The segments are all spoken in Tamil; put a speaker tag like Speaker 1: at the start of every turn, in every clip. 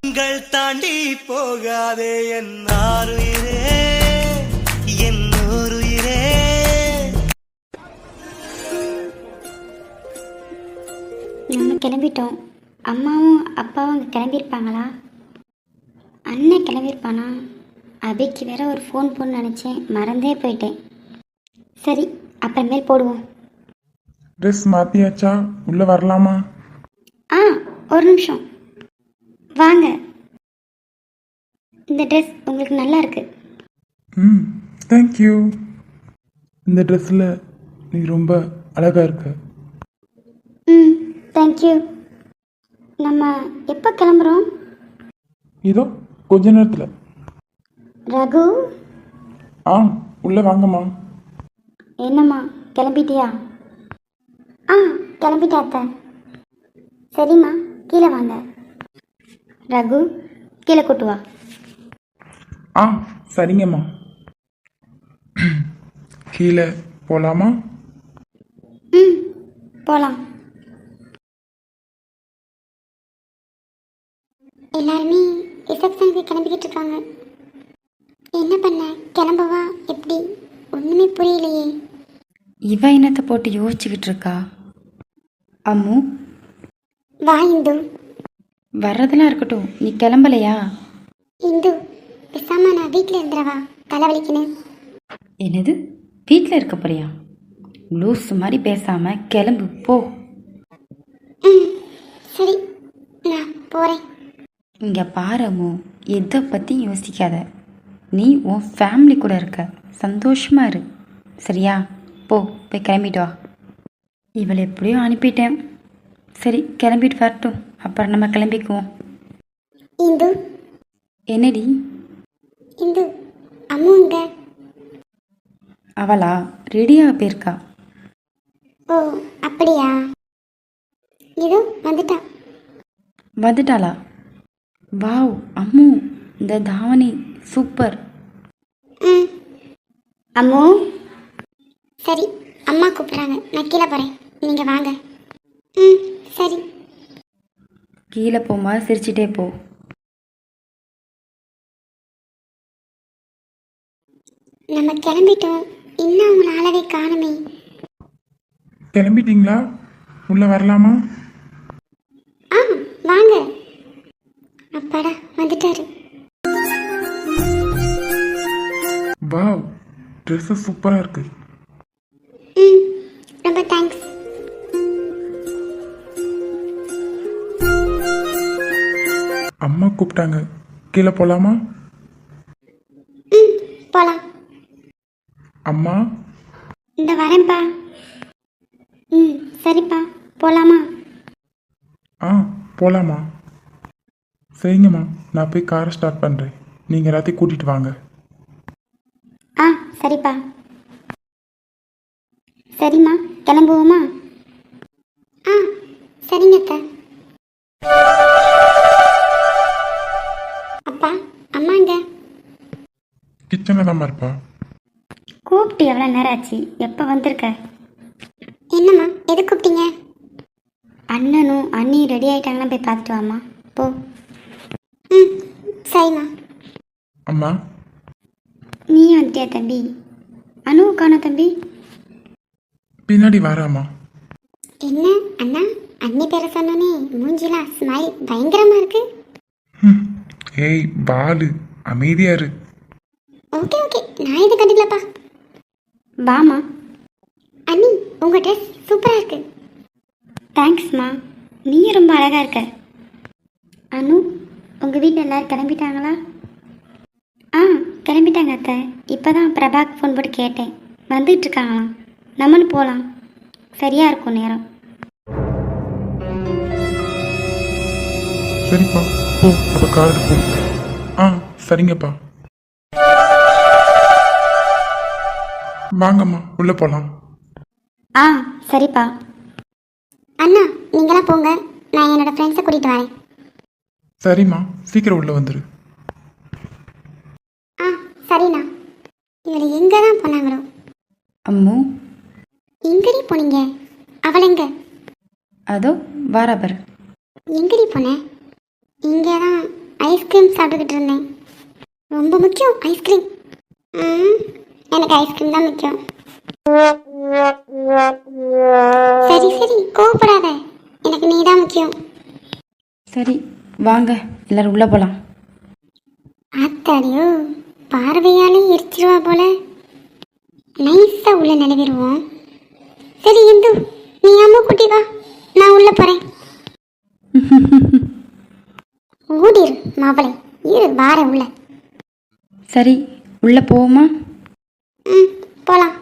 Speaker 1: வானங்கள் தாண்டி போகாதே என் ஆருயிரே, என் ஊருயிரே.
Speaker 2: நம்ம கிளம்பிட்டோம். அம்மாவும் அப்பாவும் அங்கே கிளம்பியிருப்பாங்களா? அண்ணன் கிளம்பியிருப்பானா? அபிக்கு வேற ஒரு ஃபோன் போன்னு நினச்சேன், மறந்தே போயிட்டேன். சரி, அப்புறமேல் போடுவோம்.
Speaker 3: ட்ரெஸ் மாற்றியாச்சா? உள்ளே வரலாமா?
Speaker 2: ஆ, ஒரு நிமிஷம் வாங்க. இந்த ட்ரெஸ் உங்களுக்கு நல்லா இருக்கு.
Speaker 3: ம், தேங்க்யூ. இந்த ட்ரெஸ்ஸில் நீ ரொம்ப அழகாக இருக்க.
Speaker 2: ம், தேங்க்யூ. நம்ம எப்போ கிளம்புறோம்?
Speaker 3: இதோ கொஞ்ச நேரத்தில்.
Speaker 2: ரகு,
Speaker 3: ஆ, உள்ளே வாங்கம்மா.
Speaker 2: என்னம்மா கிளம்பிட்டியா? ஆ, கிளம்பிட்டேன் அத்தை. சரிம்மா, கீழே வாங்க. ரகு, கீழே கூட்டு வா.
Speaker 3: ஆ, சரிங்கம்மா. கீழே போகலாமா?
Speaker 2: ம், போகலாம். எல்லாருமே ரிசப்ஷனுக்கு கிளம்பிக்கிட்டு இருக்காங்க. என்ன பண்ண, கிளம்பவா எப்படி? ஒன்றுமே புரியலையே.
Speaker 4: இவ என்னத்தை போட்டு யோசிச்சுக்கிட்டு இருக்கா? அம்மு,
Speaker 2: வா இந்து.
Speaker 4: வர்றதெல்லாம் இருக்கட்டும், நீ கிளம்பலையா?
Speaker 2: இந்து, பேசாம நான் வீட்டில் இருந்துடவா? தலைவலிக்குன்னு.
Speaker 4: என்னது, வீட்டில் இருக்க போறியா? லூஸ் மாதிரி பேசாம கிளம்பு போ.
Speaker 2: ம், சரி, நான் போகிறேன்.
Speaker 4: இங்கே பாரு அம்மு, எதை பற்றியும் யோசிக்காத. நீ உன் ஃபேமிலி கூட இருக்க, சந்தோஷமா இரு. சரியா? போய் கிளம்பிட்டு வா. இவளை எப்படியோ அனுப்பிட்டேன். சரி, கிளம்பிட்டு வரட்டும், அப்புறம் நம்ம கிளம்பிக்குவோம்.
Speaker 2: இந்து.
Speaker 4: என்னடி?
Speaker 2: இந்து, அம்மு இங்க.
Speaker 4: அவளா ரெடியாக போயிருக்கா.
Speaker 2: ஓ, அப்படியா? இதோ வந்துட்டா.
Speaker 4: வந்துட்டாளா? வாவ் அம்மு, இந்த தாவணி சூப்பர்.
Speaker 2: ம், அம்மு. சரி, அம்மா கூப்பிட்றாங்க, நான் கீழே போகிறேன், நீங்கள் வாங்க. ம், சரி.
Speaker 4: கீழே போமா, சிரிச்சிட்டே போ.
Speaker 2: நம்ம கிளம்பிட்டோம், இன்னும் அவங்கள ஆளவே காணுமே.
Speaker 3: கிளம்பிட்டீங்களா? உள்ளே வரலாமா?
Speaker 2: ஆ, வாங்க. அப்பாடா, வந்துட்டாரு.
Speaker 3: வாவ், ட்ரெஸ்ஸு சூப்பராக இருக்கு.
Speaker 2: ம், ரொம்ப தேங்க்ஸ்.
Speaker 3: அம்மா கூப்பிட்டாங்க, கீழே போகலாமா?
Speaker 2: ம், போகலாம்.
Speaker 3: அம்மா,
Speaker 2: இந்த வரேன்ப்பா. ம், சரிப்பா, போகலாமா?
Speaker 3: ஆ, போகலாமா? சரிங்கம்மா, நான் போய் காரை ஸ்டார்ட் பண்ணுறேன். நீங்கள் எல்லாத்தையும் கூட்டிகிட்டு வாங்க.
Speaker 2: ஆ, சரிப்பா. சரிம்மா, கிளம்புவோமா? ஆ, சரிங்க அத்தை. அப்பா, அம்மாங்க.
Speaker 3: கிச்சனில் தான் இருப்பா.
Speaker 2: கூப்பிட்டு எவ்வளோ நேரம் ஆச்சு, எப்போ வந்திருக்க? என்னம்மா, எது கூப்பிட்டீங்க? அண்ணனும் அண்ணியும் ரெடி ஆகிட்டாங்கன்னா போய் பார்த்துட்டு வாம்மா, போ. ம், சரிம்மா.
Speaker 3: அம்மா,
Speaker 2: நீ வந்துட்டியா தம்பி? அனுவும் காணோம் தம்பி.
Speaker 3: பின்னாடி வராமா?
Speaker 2: என்ன அண்ணா, அண்ணி பேரை சொன்னோன்னே மூஞ்சிலாம் ஸ்மைல் பயங்கரமாக இருக்கு.
Speaker 3: ம், ஏய் பாலு, அமைதியா இரு.
Speaker 2: ஓகே ஓகே, நான் எது கண்டுக்கலப்பா. வாமா. அண்ணி, உங்கள் ட்ரெஸ் சூப்பராக இருக்கு. தேங்க்ஸ்மா, நீயும் ரொம்ப அழகாக இருக்க. அனு, உங்கள் வீட்டில் எல்லோரும் கிளம்பிட்டாங்களா? ஆ, கிளம்பிட்டாங்க அத்தை. இப்போ தான் பிரபாக்கு ஃபோன் போட்டு கேட்டேன், வந்துட்டு இருக்காங்களாம். நம்மளும் போகலாம், சரியாக இருக்கும் நேரம்.
Speaker 3: சரிப்பா, போ, அப்போ கார் போ. ஆ, சரிங்கப்பா. வாங்கம்மா, உள்ளே போகலாம்.
Speaker 2: ஆ, சரிப்பா. அண்ணா, நீங்களாம் போங்க, நான் என்னோடய ஃப்ரெண்ட்ஸை கூட்டிகிட்டு வரேன்.
Speaker 3: சரிம்மா, சீக்கிரம் உள்ளே வந்துரு.
Speaker 2: ஆ, சரிண்ணா. இவளை எங்கே தான் போனாங்களோ?
Speaker 4: அம்மு,
Speaker 2: எங்கடி போனீங்க? அவள் எங்க?
Speaker 4: அதோ வாராபர்.
Speaker 2: எங்கடி போனேன்? இங்கே தான் ஐஸ்கிரீம் சாப்பிட்டுக்கிட்டு இருந்தேன். ரொம்ப முக்கியம் ஐஸ்கிரீம். எனக்கு ஐஸ்கிரீம் தான் முக்கியம். சரி சரி கோவப்படாத, எனக்கு நீ தான் முக்கியம்.
Speaker 4: சரி வாங்க எல்லாரும் உள்ளே போகலாம்.
Speaker 2: ஆத்தாடியோ, பார்வையாலே எரிச்சிருவா போல. நைஸா உள்ள நிலவிடுவோம். சரி இந்து, நீ அம்மா குட்டி வா, நான் உள்ள போறேன். ஓடிரு மாப்பிளை, இரு வார உள்ள.
Speaker 4: சரி உள்ளே போவோமா?
Speaker 2: போலாம்.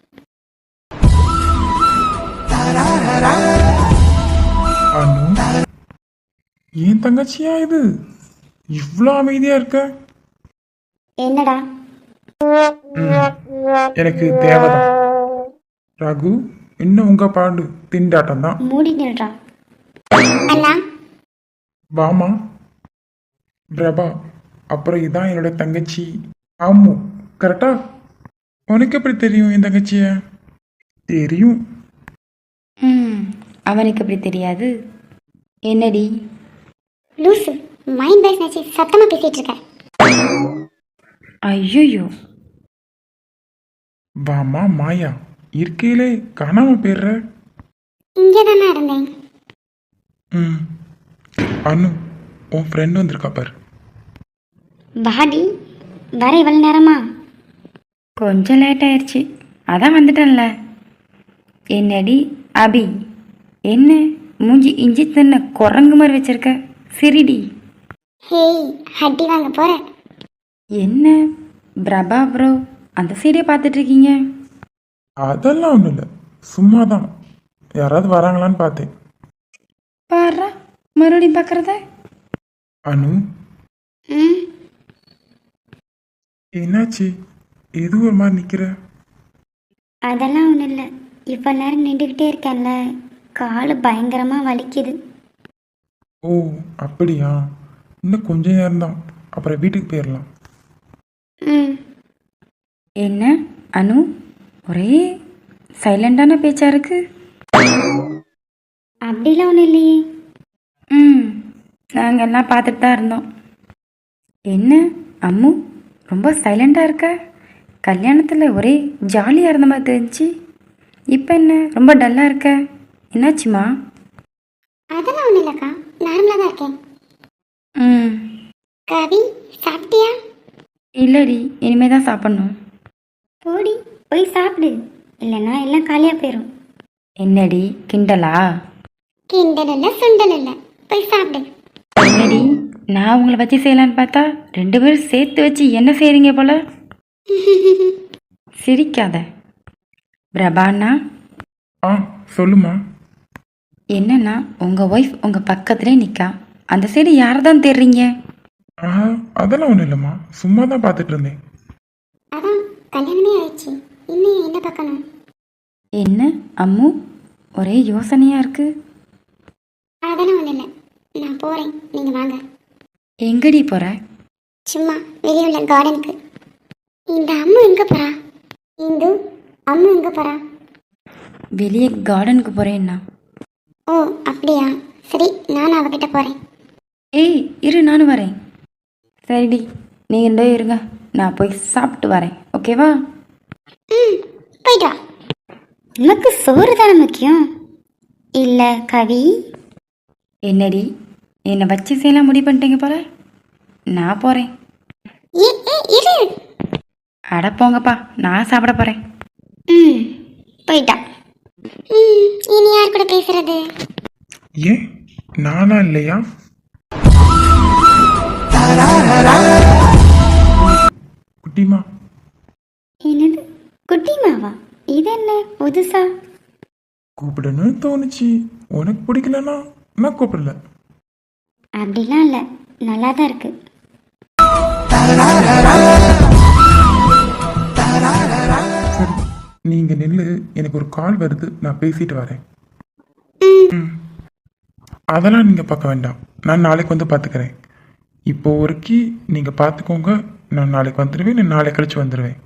Speaker 3: அனு, ஏன் தங்கச்சியா இது இவ்வளோ அமைதியா இருக்க?
Speaker 2: என்னடா?
Speaker 3: எனக்கு தேவைதான். ரகு, இன்னும் உங்க பாடு திண்டாட்டம் தான்.
Speaker 2: மூடி நில்றா. அண்ணா
Speaker 3: வாமா. பிரபா, அப்புறம் இதான் என்னோட தங்கச்சி அம்மு. கரெக்டா? உனக்கு எப்படி தெரியும் என் தங்கச்சிய? தெரியும்.
Speaker 4: அவனுக்கு எப்படி தெரியாது? என்னடி
Speaker 2: லூசு, மைண்ட் பேஸ் நினைச்சு சத்தமா பேசிட்டு இருக்க.
Speaker 4: ஐயோ,
Speaker 3: வாமா மாயா, இருக்கையிலே காணாம போயிடுற.
Speaker 2: இங்கே தானே இருந்தேன்.
Speaker 3: ம். அனு, உன் ஃப்ரெண்ட் வந்திருக்கா பாரு.
Speaker 2: பாடி வர இவ்வளவு நேரமா?
Speaker 4: கொஞ்சம் லேட் ஆயிடுச்சு, அதான் வந்துட்டேன்ல. என்னடி அபி, என்ன மூஞ்சி இஞ்சி தின்ன குரங்கு மாதிரி வச்சிருக்க? சிரிடி.
Speaker 2: ஹேய், அடி வாங்க போற?
Speaker 4: என்ன பிரபா ப்ரோ அந்த சீரியை பார்த்துட்டு இருக்கீங்க?
Speaker 3: அதெல்லாம் ஒன்றும் இல்லை, சும்மா தான். யாராவது வராங்களான்னு பார்த்தேன்.
Speaker 4: பாரா மறுபடியும் பார்க்குறத.
Speaker 3: அனு,
Speaker 2: ம்,
Speaker 3: என்னாச்சு? எது ஒரு மாதிரி நிற்கிற?
Speaker 2: அதெல்லாம் ஒன்றும் இல்லை. இப்போ நேரம் நின்றுக்கிட்டே இருக்கேன்ல, கால் பயங்கரமாக வலிக்குது.
Speaker 3: ஓ அப்படியா? இன்னும் கொஞ்ச நேரம்தான், அப்புறம் வீட்டுக்கு போயிடலாம்.
Speaker 2: ம்,
Speaker 4: என்ன அனு, ஒரே சைலண்டான பேச்சா இருக்கு.
Speaker 2: அப்படிலாம் ஒன்றும் இல்லையே.
Speaker 4: நாங்கள் எல்லாம் பார்த்துட்டு தான் இருந்தோம். என்ன அம்மு, ரொம்ப சைலண்டாக இருக்க? கல்யாணத்தில் ஒரே ஜாலியாக இருந்த மாதிரி தெரிஞ்சு, இப்போ என்ன ரொம்ப டல்லாக இருக்க? என்னாச்சுமா?
Speaker 2: அதெல்லாம் ஒன்றும் இல்லைக்கா, நார்மலாக தான் இருக்கேன்.
Speaker 4: ம்
Speaker 2: கவி, சாப்பிட்டியா?
Speaker 4: இல்லடி, இனிமே தான் சாப்பிட்ணும்.
Speaker 2: போடி போய் சாப்பிடு, இல்லைன்னா எல்லாம் காலியாக போயிடும்.
Speaker 4: என்னடி கிண்டலா?
Speaker 2: கிண்டல் இல்லை சுண்டல் இல்லை, போய் சாப்பிடு.
Speaker 4: என்னடி, நான் உங்களை வச்சு செய்யலான்னு பார்த்தா 2 பேரும் சேர்த்து வச்சு என்ன செய்கிறீங்க போல. சிரிக்காத. பிரபாண்ணா,
Speaker 3: ஆ சொல்லுமா.
Speaker 4: என்னன்னா உங்கள் ஒய்ஃப் உங்கள் பக்கத்துலேயே நிற்கா, அந்த சைடு யாரை தான் தேடுறீங்க?
Speaker 3: ஆ அதெல்லாம் ஒன்றும் இல்லைம்மா, சும்மா தான் பார்த்துட்டு இருந்தேன்.
Speaker 2: அதான் கல்யாணமே ஆயிடுச்சு, இன்னும் என்ன பார்க்கணும்?
Speaker 4: என்ன அம்மு, ஒரே யோசனையாக இருக்கு.
Speaker 2: அதெல்லாம் ஒன்றும் இல்லை, நான் போகிறேன், நீங்கள் வாங்க.
Speaker 4: எங்கடி போகிற?
Speaker 2: சும்மா வெளியே உள்ள கார்டனுக்கு. இந்த அம்மு எங்கே போகிறா? இந்து, அம்மு எங்கே போகிறா?
Speaker 4: வெளியே கார்டனுக்கு போகிறேன்னா?
Speaker 2: ஓ அப்படியா, சரி நான் அவகிட்ட போகிறேன்.
Speaker 4: ஏய் இரு, நானும் வரேன். சரிடி, நீங்கள் 2 பேரும் இருங்க, நான் போய் சாப்பிட்டு வரேன், ஓகேவா?
Speaker 2: ம், போயிட்டு வா. உனக்கு சோறு தானே முக்கியம் இல்லை கவி?
Speaker 4: என்னடி, என்னை வச்சு செய்யலாம் முடிவு பண்ணிட்டீங்க போல. நான் போகிறேன்.
Speaker 2: இரு.
Speaker 4: அட போங்கப்பா, நான் சாப்பிட போகிறேன்.
Speaker 2: ம், போயிட்டா. இனி யார் கூட பேசுறது?
Speaker 3: ஏன் நானா இல்லையா? குட்டிமா.
Speaker 2: என்னது குட்டிமாவா? இது என்ன புதுசா?
Speaker 3: கூப்பிடணும்னு தோணுச்சு, உனக்கு பிடிக்கலன்னா நான் கூப்பிடல.
Speaker 2: அப்படிலாம் இல்லை, நல்லா தான் இருக்கு.
Speaker 3: சரி, நீங்க நில்லு, எனக்கு ஒரு கால் வருது, நான் பேசிட்டு வரேன். ம். அதெல்லாம் நீங்க பார்க்க வேண்டாம், நான் நாளைக்கு வந்து பார்த்துக்கிறேன். இப்போ ஒருக்கி நீங்க பார்த்துக்கோங்க, நான் நாளைக்கு வந்துடுவேன், நான் நாளை கழிச்சு வந்துடுவேன்.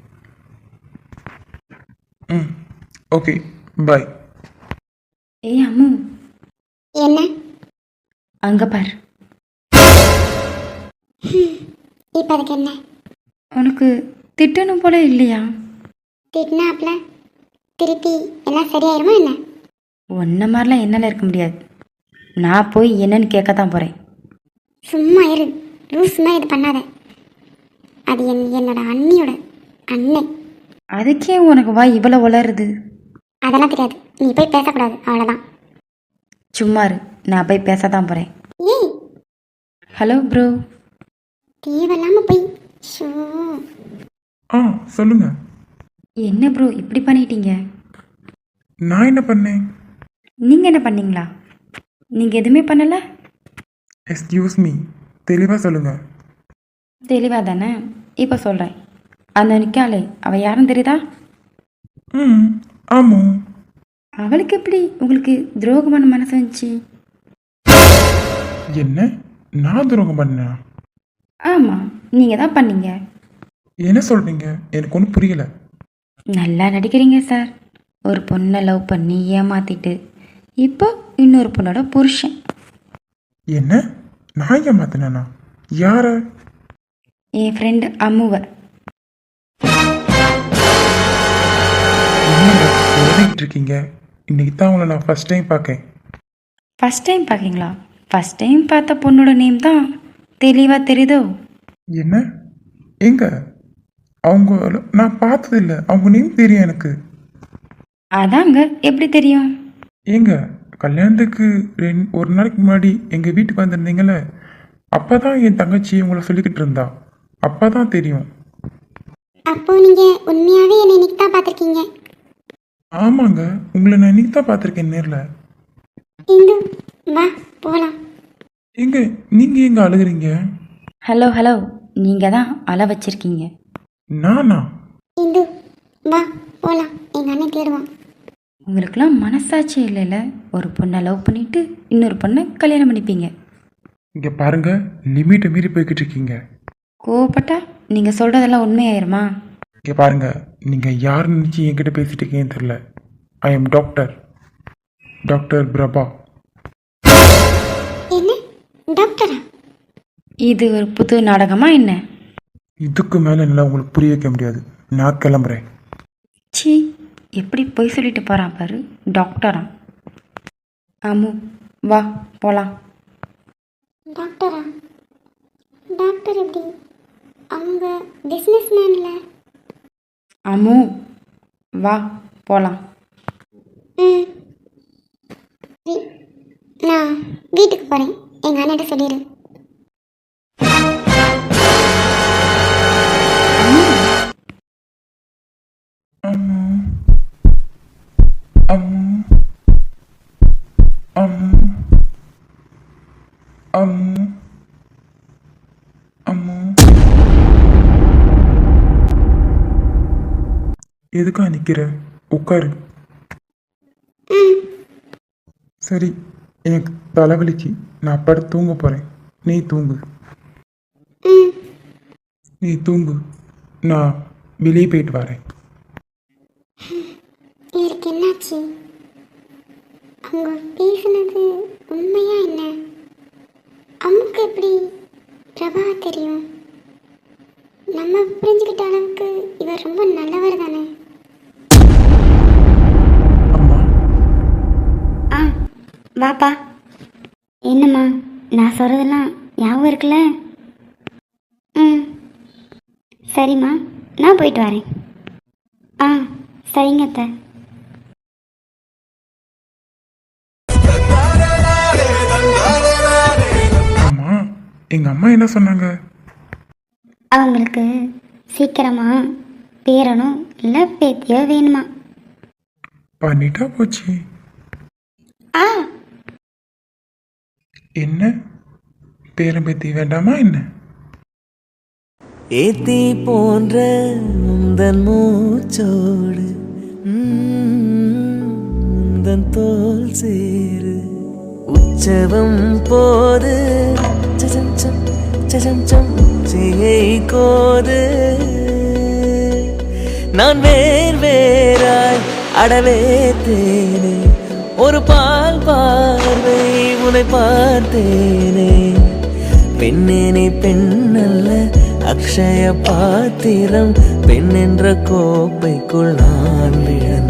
Speaker 3: ம் ஓகே, பாய்.
Speaker 4: ஏய் அம்மு,
Speaker 2: என்ன?
Speaker 4: அங்கே பார்.
Speaker 2: இப்போ அதுக்கு என்ன?
Speaker 4: உனக்கு திட்டணும் போல இல்லையா?
Speaker 2: திட்டினாப்ல திருப்பி எல்லாம் சரியாயிருமா என்ன?
Speaker 4: ஒன்றை மாதிரிலாம் என்னால் இருக்க முடியாது. நான் போய் என்னன்னு கேட்க தான் போகிறேன்.
Speaker 2: சும்மா இரு, லூஸ் மாதிரி இது பண்ணாத. அது என்னோட அண்ணியோட அண்ணன்.
Speaker 4: அதுக்கே உனக்கு வா இவ்வளோ வளருது?
Speaker 2: அதெல்லாம் தெரியாது, நீ போய் பேசக்கூடாது, அவ்வளோதான்.
Speaker 4: சும்மா இரு, நான் போய் பேச தான் போகிறேன்.
Speaker 2: ஏய்,
Speaker 4: ஹலோ ப்ரோ.
Speaker 2: தேவையில்லாமல் போய் ஷோ.
Speaker 3: ஆ சொல்லுங்க.
Speaker 4: என்ன ப்ரோ இப்படி பண்ணிட்டீங்க?
Speaker 3: நான் என்ன பண்ணேன்?
Speaker 4: நீங்கள் என்ன பண்ணீங்களா? நீங்கள் எதுவுமே பண்ணலை?
Speaker 3: எக்ஸ்கியூஸ் மீ, தெளிவாக சொல்லுங்க.
Speaker 4: தெளிவாக தானே இப்போ சொல்கிறேன். அந்த நிற்காளே அவள் யாருன்னு தெரியுதா?
Speaker 3: ம் ஆமாம்.
Speaker 4: அவளுக்கு எப்படி உங்களுக்கு துரோகமான மனசு வந்துச்சு?
Speaker 3: என்ன? நான் துரோகம் பண்ணேனா?
Speaker 4: ஆமாம், நீங்கள் தான் பண்ணீங்க.
Speaker 3: என்ன சொல்கிறீங்க? எனக்கு ஒன்றும் புரியலை.
Speaker 4: நல்லா நடிக்கிறீங்க சார். ஒரு பொண்ணை லவ் பண்ணி ஏமாத்திட்டு இப்போ இன்னொரு பொண்ணோட புருஷன்.
Speaker 3: என்ன? நான் ஏமாத்தினேனா? யார?
Speaker 4: என் ஃப்ரெண்டு அம்முவை.
Speaker 3: என்னங்க எழுதிக்கிட்டு இருக்கீங்க? இன்னைக்கு தான் உங்களை நான் ஃபர்ஸ்ட் டைம் பார்க்கேன்.
Speaker 4: ஃபஸ்ட் டைம் பார்க்கீங்களா? ஃபஸ்ட் டைம் பார்த்த பொண்ணோட நேம் தான் தெளிவாக தெரியுதோ?
Speaker 3: என்ன? எங்க? அவங்க நான் பார்த்ததில்ல. அவங்க நேம் தெரியும் எனக்கு.
Speaker 4: அதாங்க எப்படி தெரியும்?
Speaker 3: ஏங்க கல்யாணத்துக்கு ஒரு நாளைக்கு முன்னாடி எங்கள் வீட்டுக்கு வந்திருந்தீங்களே, அப்போ தான் என் தங்கச்சி உங்களை சொல்லிக்கிட்டு இருந்தா. அப்போ தான் தெரியும்.
Speaker 2: அப்போ நீங்க உண்மையாவே என்னை இன்னைக்கு தான் பார்த்துருக்கீங்க?
Speaker 3: ஆமாங்க, உங்களை நான் இன்னைக்கு தான் பார்த்துருக்கேன் நேரில்.
Speaker 2: இந்து வா போகலாம்.
Speaker 3: எங்க நீங்கள் எங்கே அழுகுறீங்க?
Speaker 4: ஹலோ ஹலோ, நீங்கள் தான் அழ வச்சிருக்கீங்க.
Speaker 3: நானா?
Speaker 2: இந்து வா போகலாம், எங்கள் அண்ணன் தேடுவான்.
Speaker 4: உங்களுக்கெல்லாம் மனசாட்சி இல்லைல்ல? ஒரு பொண்ணை லவ் பண்ணிட்டு இன்னொரு பொண்ணை கல்யாணம் பண்ணிப்பீங்க.
Speaker 3: இங்கே பாருங்க, லிமிட்டை மீறி போய்கிட்டு இருக்கீங்க.
Speaker 4: கோவப்பட்டா நீங்கள் சொல்கிறதெல்லாம் உண்மையாயிருமா?
Speaker 3: இங்கே பாருங்க, நீங்கள் யார் நினச்சி என்கிட்ட பேசிட்டு இருக்கீங்கன்னு தெரில. I am doctor Prabha.
Speaker 2: என்ன டாக்டரா?
Speaker 4: இது ஒரு புது நாடகமா என்ன?
Speaker 3: இதுக்கு மேலே என்னால் உங்களுக்கு புரிய வைக்க முடியாது. நான் கிளம்புறேன்.
Speaker 4: சி, எப்படி பொய் சொல்லிட்டு போகிறான் பாரு, டாக்டரா? அம்மு வா போகலாம்.
Speaker 2: டாக்டரா? டாக்டர் எப்படி? அவங்க பிஸ்னஸ் மேன்ல.
Speaker 4: அம்மு வா போகலாம்.
Speaker 2: ம் நான் வீட்டுக்கு போகிறேன், எங்கள் அண்ணன்ட்ட சொல்லிடு.
Speaker 3: அம்மு அம்மு அம்மு அம்மு அம்மு எதுக்கா நிற்கிற? உட்காரு. சரி, எனக்கு தலைவலிக்கு, நான் படுத்து தூங்க போகிறேன். நீ தூங்கு. நீ தூங்கு, நான் வெளியே போயிட்டு வரேன்.
Speaker 2: இவருக்கு என்னாச்சு? அவங்க பேசுனது உண்மையா என்ன? அம்முக்கு எப்படி பிரபா தெரியும்? நம்ம புரிஞ்சுக்கிட்ட அளவுக்கு இவர் ரொம்ப நல்லவர் தானே.
Speaker 3: அம்மா,
Speaker 2: ஆ வாப்பா. என்னம்மா, நான் சொல்கிறதெல்லாம் ஞாபகம் இருக்குல்ல? ம் சரிம்மா, நான் போயிட்டு வரேன். ஆ சரிங்க அத்தை.
Speaker 3: அம்மா, எங்கள் அம்மா என்ன சொன்னாங்க?
Speaker 2: அவங்களுக்கு சீக்கிரமா பேரனும் இல்லை பேத்தியோ வேணுமா?
Speaker 3: பண்ணிட்டா போச்சு.
Speaker 2: ஆ
Speaker 3: என்ன? பேரம்பேத்தி வேண்டாமா என்ன?
Speaker 1: ஏத்தி போன்ற உந்தன் மூச்சோடு உந்தன் தோல் சேரு உற்சவம் போது சசஞ்சம் சசஞ்சம் செய்யை கோது நான் வேறாய் அடவே தேனே ஒரு பால் பார்வை உன்னை பார்த்தேனே பெண்ணே நீ பெண்ணல்ல அக்ஷய பாத்திரம், பெண் என்ற கோப்பைக்குள் நான் விழுந்தேன்.